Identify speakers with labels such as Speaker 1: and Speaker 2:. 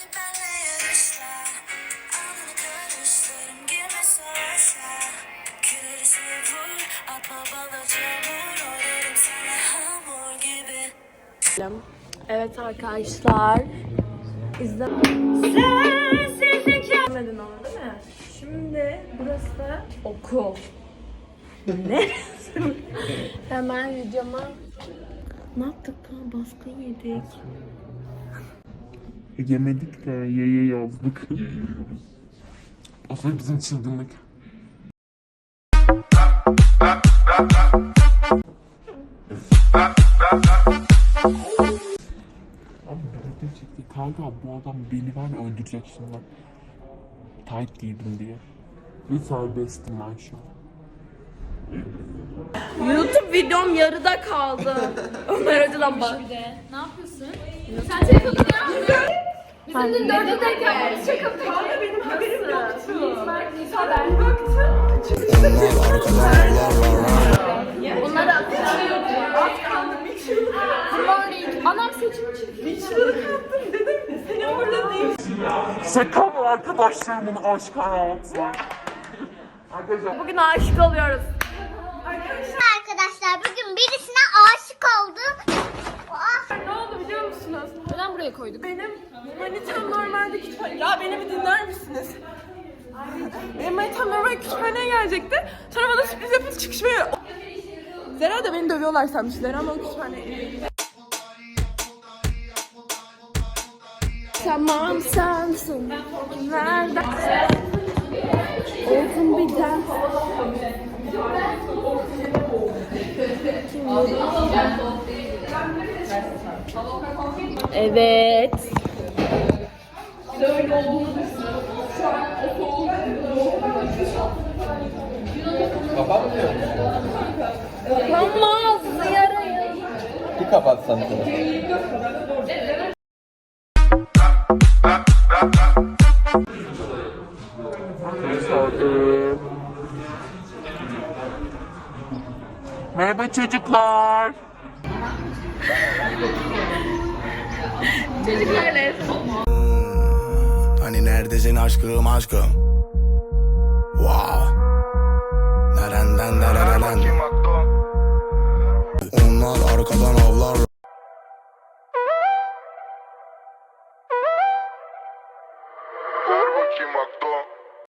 Speaker 1: Evet arkadaşlar, izlemedin onu değil mi? Şimdi burası da okul. Ne? Hemen videoma ne yaptık lan? Baskın yedik.
Speaker 2: Yemedik de ye yazdık. Aslında bizim çılgınlık. Abi birlikte çekti. Kanka bu adam beni var ya öldürecek şimdi. Tight giydim diye. Bir serbestim ben şu an.
Speaker 1: YouTube videom yarıda kaldı. Ömer Hoca'dan bak.
Speaker 3: Ne yapıyorsun? Sen çakıldın ya. Bizim dün dörde denk geldik. Çakıldık.
Speaker 1: Kanka benim haberim yoktu.
Speaker 3: Ben baktım. Bunları atacağım.
Speaker 1: Az kaldı bir çığlık.
Speaker 3: Morning. Anam saçımı çekti.
Speaker 1: Bir çığlık attım dedim. Seni orada değil.
Speaker 2: Şaka mı arkadaşlarımın aşk hayatı? Arkadaşlar
Speaker 1: Bugün aşık oluyoruz.
Speaker 4: Arkadaşlar bugün birisine aşık oldum.
Speaker 1: Ne oldu biliyor musunuz?
Speaker 3: Neden buraya koyduk?
Speaker 1: Benim manitam normalde kütüphane... Ya beni bir dinler misiniz? Benim manitam normalde kütüphaneye gelecekti. Sonra bana sürpriz yapıp çıkışmaya... Zera da beni dövüyorlar sanmışlar ama o kütüphane... Tamam sensin. Nereden? Olsun bir daha. Evet.
Speaker 5: Kapatmıyor.
Speaker 1: Kapanmaz yarayı.
Speaker 5: Bir kapatsan.
Speaker 2: merhaba çocuklar.
Speaker 1: Çocuklarla.
Speaker 6: Hani neredesin aşkım aşkım? Wow. Nereden nereden? Onlar arkadan